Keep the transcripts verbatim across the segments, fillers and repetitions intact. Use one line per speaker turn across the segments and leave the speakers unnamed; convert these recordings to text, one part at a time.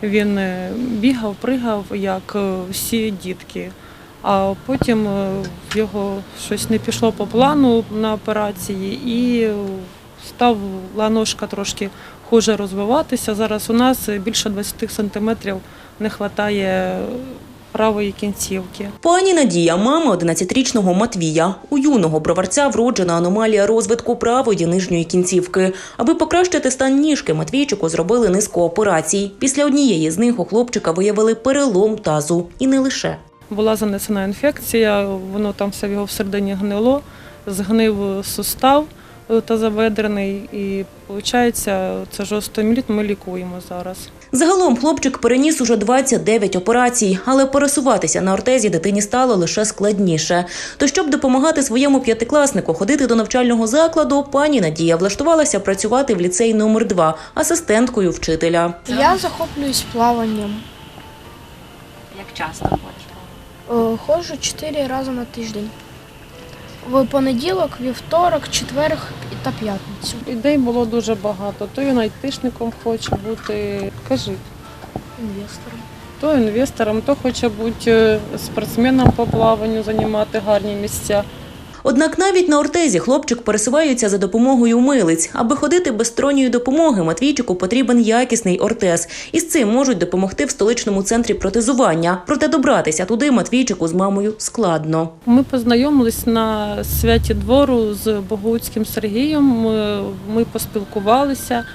Він бігав, пригав, як всі дітки. А потім в його щось не пішло по плану на операції і став ланожка трошки хуже розвиватися. Зараз у нас більше двадцять сантиметрів не вистачає правої кінцівки.
Пані Надія – мама одинадцятирічного Матвія. У юного броварця вроджена аномалія розвитку правої нижньої кінцівки. Аби покращити стан ніжки, Матвійчику зробили низку операцій. Після однієї з них у хлопчика виявили перелом тазу. І не лише.
Була занесена інфекція, воно там все в його всередині гнило, згнив сустав тазобедрений і, виходить, це жовтоміліт ми лікуємо зараз.
Загалом хлопчик переніс уже двадцять дев'ять операцій, але пересуватися на ортезі дитині стало лише складніше. То щоб допомагати своєму п'ятикласнику ходити до навчального закладу, пані Надія влаштувалася працювати в ліцей номер два асистенткою вчителя.
Я захоплююсь плаванням.
Як часто ходиш?
Ходжу чотири рази на тиждень. В понеділок, вівторок, четвер та п'ятницю.
Ідей було дуже багато. То він айтишником хоче бути, кажи,
Інвестором.
то інвестором, то хоче бути спортсменом по плаванню, займати гарні місця.
Однак навіть на ортезі хлопчик пересувається за допомогою милиць. Аби ходити без сторонньої допомоги, Матвійчику потрібен якісний ортез. І з цим можуть допомогти в столичному центрі протезування. Проте добратися туди Матвійчику з мамою складно.
Ми познайомились на святі двору з Богуцьким Сергієм, ми поспілкувалися.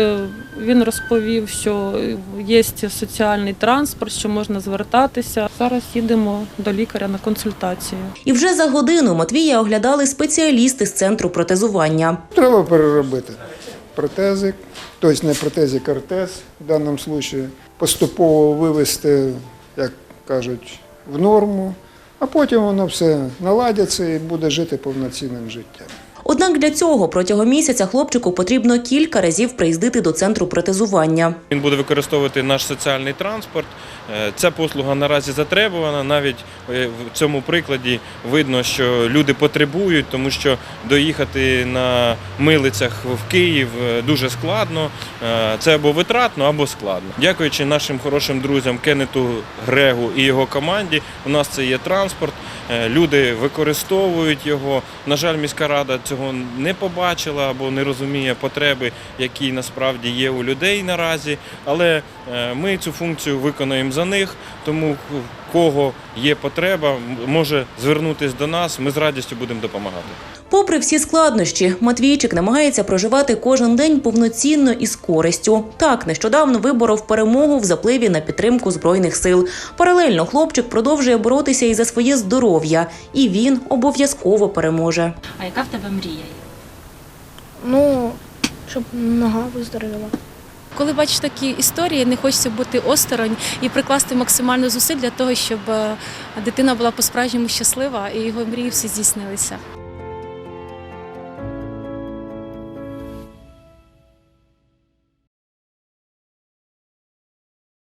Він розповів, що є соціальний транспорт, що можна звертатися. Зараз їдемо до лікаря на консультацію.
І вже за годину Матвія оглядали спеціалісти з центру протезування.
Треба переробити протезик, тобто не протезик, а ортез в даному випадку, поступово вивести, як кажуть, в норму, а потім воно все наладиться і буде жити повноцінним життям.
Однак для цього протягом місяця хлопчику потрібно кілька разів приїздити до центру протезування.
Він буде використовувати наш соціальний транспорт. Ця послуга наразі затребувана. Навіть в цьому прикладі видно, що люди потребують, тому що доїхати на милицях в Київ дуже складно. Це або витратно, або складно. Дякуючи нашим хорошим друзям Кеннету Грегу і його команді, у нас це є транспорт. Люди використовують його. На жаль, міська рада цього не побачила або не розуміє потреби, які насправді є у людей наразі. Але ми цю функцію виконуємо за них, тому в кого є потреба, може звернутися до нас, ми з радістю будемо допомагати.
Попри всі складнощі, Матвійчик намагається проживати кожен день повноцінно і з користю. Так, нещодавно виборов перемогу в запливі на підтримку Збройних сил. Паралельно хлопчик продовжує боротися і за своє здоров'я. І він обов'язково переможе.
А яка в тебе мрія?
Ну, щоб нога виздоровіла.
Коли бачиш такі історії, не хочеться бути осторонь і прикласти максимально зусиль для того, щоб дитина була по-справжньому щаслива і його мрії всі здійснилися.